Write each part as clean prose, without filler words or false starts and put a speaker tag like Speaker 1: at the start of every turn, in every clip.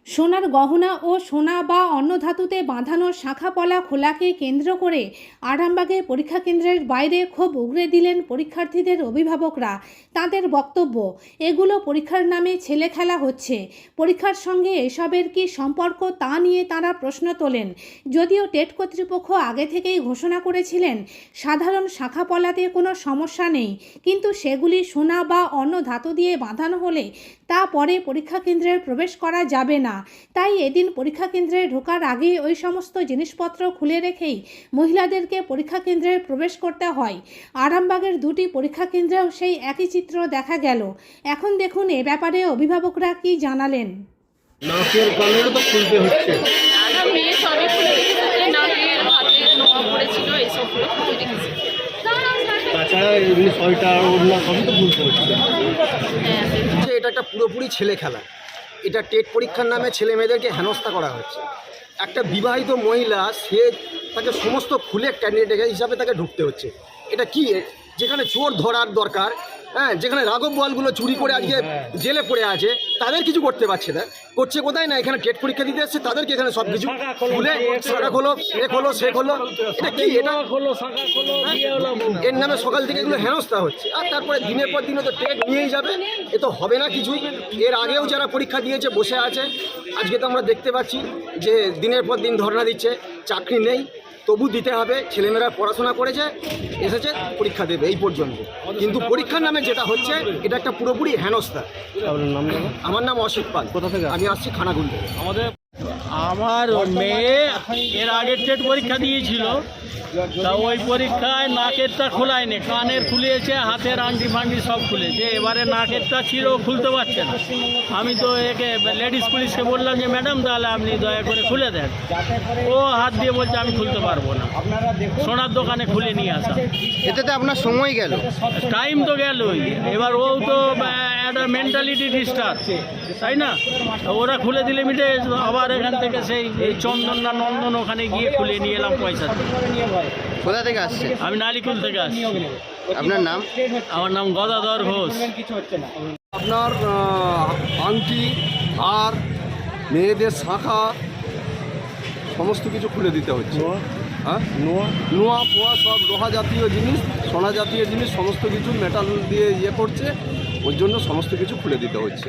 Speaker 1: সোনার গহনা ও সোনা বা অন্য ধাতুতে বাঁধানো শাঁখাপলা খোলাকে কেন্দ্র করে আরামবাগে পরীক্ষা কেন্দ্রের বাইরে ক্ষোভ উগরে দিলেন পরীক্ষার্থীদের অভিভাবকরা। তাদের বক্তব্য, এগুলো পরীক্ষার নামে ছেলে খেলা হচ্ছে। পরীক্ষার সঙ্গে এসবের কি সম্পর্ক তা নিয়ে তারা প্রশ্ন তোলেন। যদিও টেট কর্তৃপক্ষ আগে থেকেই ঘোষণা করেছিলেন সাধারণ শাঁখাপলাতে কোনো সমস্যা নেই, কিন্তু সেগুলি সোনা বা অন্য ধাতু দিয়ে বাঁধানো হলে তা পরে পরীক্ষা কেন্দ্রে প্রবেশ করা যাবে না। তাই এদিন পরীক্ষা কেন্দ্রে ঢোকার আগে ওই সমস্ত জিনিসপত্র খুলে রেখেই মহিলাদেরকে পরীক্ষা কেন্দ্রে প্রবেশ করতে হয়। আরামবাগের দুটি পরীক্ষা কেন্দ্রেও সেই একই চিত্র দেখা গেল। এখন দেখুন এ ব্যাপারে অভিভাবকরা কি জানালেন।
Speaker 2: নাকের কানেরও তো খুলতে হচ্ছে।
Speaker 3: মেয়ে সবই খুলে রেখেছে, নাকের হাতের নোয়া পড়েছিল, এইসবগুলো খুলে রেখেছে।
Speaker 2: তাছাড়া এমনি সোয়েটার ওড়না সবই তো খুলতে হচ্ছে।
Speaker 4: এটা একটা পুরোপুরি ছেলে খেলা। এটা টেট পরীক্ষার নামে ছেলে মেয়েদেরকে হেনস্থা করা হচ্ছে। একটা বিবাহিত মহিলা, সে তাকে সমস্ত খুলে ক্যান্ডিডেট হিসাবে তাকে ঢুকতে হচ্ছে। এটা কি, যেখানে চোর ধরার দরকার, হ্যাঁ, যেখানে রাঘব বোয়ালগুলো চুরি করে আজকে জেলে পড়ে আছে, তাদের কিছু করতে পারছে না। করছে কোথায় না, এখানে টেট পরীক্ষা দিতে এসছে তাদেরকে এখানে সব কিছু খুলে শাখা খোলো, এ খোলো সে খোলো। এটা কি, এটা এর নামে সকাল থেকে এগুলো হেনস্থা হচ্ছে। আর তারপরে দিনের পর দিনে তো টেট নিয়েই যাবে, এ তো হবে না কিছুই। এর আগেও যারা পরীক্ষা দিয়েছে বসে আছে, আজকে তো আমরা দেখতে পাচ্ছি যে দিনের পর দিন ধর্ণা দিচ্ছে, চাকরি নেই, তবু দিতে হবে। ছেলেমেয়েরা পড়াশোনা করেছে, এসেছে, পরীক্ষা দেবে, এই পর্যন্ত। কিন্তু পরীক্ষার নামে যেটা হচ্ছে, এটা একটা পুরোপুরি হেনস্থা। আমার নাম অসিত পাল।
Speaker 2: কোথা থেকে?
Speaker 4: আমি আসছি খানাকুল থেকে।
Speaker 5: আমার মেয়ে এর আগে টেট পরীক্ষা দিয়েছিল, তা ওই পরীক্ষায় নাকেরটা খোলায়নি, কানের খুলেছে, হাতের আংটি ফাংটি সব খুলেছে। এবারে নাকেরটা ছিল, খুলতে পারছে না। আমি তো একে লেডিস পুলিশকে বললাম যে ম্যাডাম তাহলে আপনি দয়া করে খুলে দেন। ও হাত দিয়ে বলছে আমি খুলতে পারবো না। সোনার দোকানে খুলে নিয়ে আসা,
Speaker 4: এটাতে আপনার সময় গেল,
Speaker 5: টাইম তো গেলই। এবার ও তো একটা মেন্টালিটি ডিস্টার্ব, তাই না? ওরা খুলে দিলে মিটে, আবার এখান থেকে সেই চন্দন না নন্দন ওখানে গিয়ে খুলে নিয়ে এলাম পয়সা দিয়ে।
Speaker 4: কোথা থেকে আসছে?
Speaker 5: আমি নালিকুল থেকে আসছি।
Speaker 4: আপনার নাম?
Speaker 5: আমার নাম গদাধর ঘোষ।
Speaker 6: আপনার আংটি আর মেয়েদের শাঁখা সমস্ত কিছু খুলে দিতে হচ্ছে। হ্যাঁ, নোয়া পোয়া সব লোহা জাতীয় জিনিস, সোনা জাতীয় জিনিস সমস্ত কিছু মেটাল দিয়ে ইয়ে করছে, ওই জন্য সমস্ত কিছু খুলে দিতে হচ্ছে।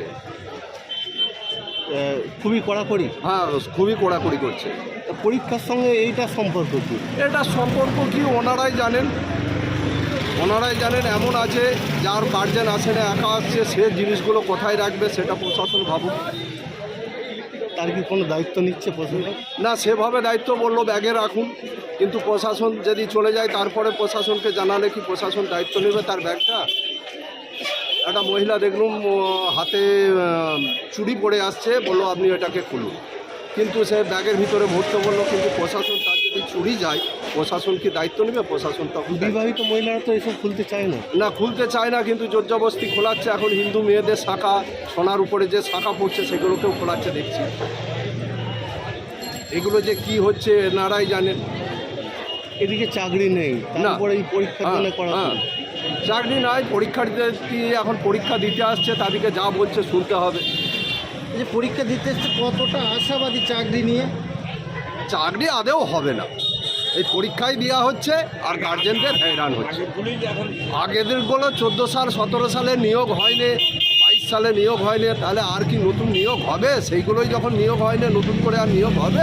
Speaker 2: খুবই কড়াকড়ি।
Speaker 6: হ্যাঁ, খুবই কড়াকড়ি করছে।
Speaker 2: পরীক্ষার সঙ্গে এইটা সম্পর্ক কি?
Speaker 6: এটা সম্পর্ক কি ওনারাই জানেন, ওনারাই জানেন। এমন আছে যার গার্জেন আসে না, একা আসছে, সে জিনিসগুলো কোথায় রাখবে সেটা প্রশাসন ভাবুক।
Speaker 2: তার কি কোনো দায়িত্ব নিচ্ছে প্রশাসন?
Speaker 6: না, সেভাবে দায়িত্ব বললো ব্যাগে রাখুন, কিন্তু প্রশাসন যদি চলে যায় তারপরে প্রশাসনকে জানালে কি প্রশাসন দায়িত্ব নেবে তার ব্যাগটা? একটা মহিলা দেখলুম হাতে চুড়ি পরে আসছে, বললো আপনি এটাকে খুলুন, কিন্তু সে ব্যাগের ভিতরে ভরতে বললো, কিন্তু প্রশাসন তার যদি চুরি যায় প্রশাসন কি দায়িত্ব নেবে? প্রশাসন তখন
Speaker 2: বিবাহিত মহিলারা তো এসব খুলতে চায় না।
Speaker 6: না, খুলতে চায় না, কিন্তু জোরজবস্তি খোলাচ্ছে। এখন হিন্দু মেয়েদের শাঁখা, সোনার উপরে যে শাঁখা পড়ছে সেগুলোকেও খোলাচ্ছে দেখছি। এগুলো যে কি হচ্ছে এনারাই জানেন।
Speaker 2: এদিকে চাকরি নেই, তারপরে এই পরীক্ষার জন্য করা।
Speaker 6: চাকরি নাই, পরীক্ষার্থী এখন পরীক্ষা দিতে আসছে, তাদেরকে যা বলছে শুনতে হবে।
Speaker 4: যে পরীক্ষা দিতে এসছে কতটা আশাবাদী চাকরি নিয়ে?
Speaker 6: চাকরি আদেও হবে না, এই পরীক্ষায় দেওয়া হচ্ছে আর গার্জেনদের হয়রান হচ্ছে। আগেদেরগুলো 14 সাল 17 সালে নিয়োগ হয়নি, 22 সালে নিয়োগ হয়নি, তাহলে আর কি নতুন নিয়োগ হবে? সেইগুলোই যখন নিয়োগ হয়নি, নতুন করে আর নিয়োগ হবে?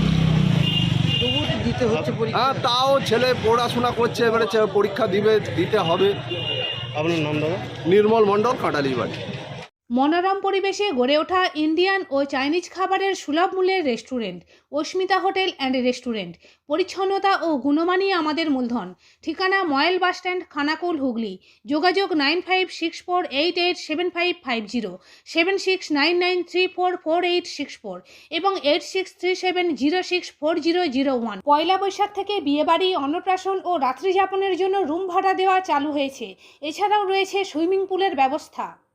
Speaker 4: দিতে হচ্ছে পরীক্ষা।
Speaker 6: হ্যাঁ, তাও ছেলে পড়াশোনা করছে, এবারে পরীক্ষা দিতে হবে।
Speaker 2: আপনার নাম দাদা?
Speaker 6: নির্মল মণ্ডল, কাঁটালিবাড়ি।
Speaker 1: মনোরম পরিবেশে গড়ে ওঠা ইন্ডিয়ান ও চাইনিজ খাবারের সুলভ মূল্যের restaurant Asmita hotel and restaurant. পরিচ্ছন্নতা ও গুণমানই আমাদের মূলধন। ঠিকানা ময়েল বাসস্ট্যান্ড, খানাকুল, হুগলি। যোগাযোগ 9564887550, 7699344864 এবং 8637064001। পয়লা বৈশাখ থেকে বিয়েবাড়ি, অন্নপ্রাশন ও রাত্রিযাপনের জন্য রুম ভাড়া দেওয়া চালু হয়েছে। এছাড়াও রয়েছে সুইমিং পুলের ব্যবস্থা।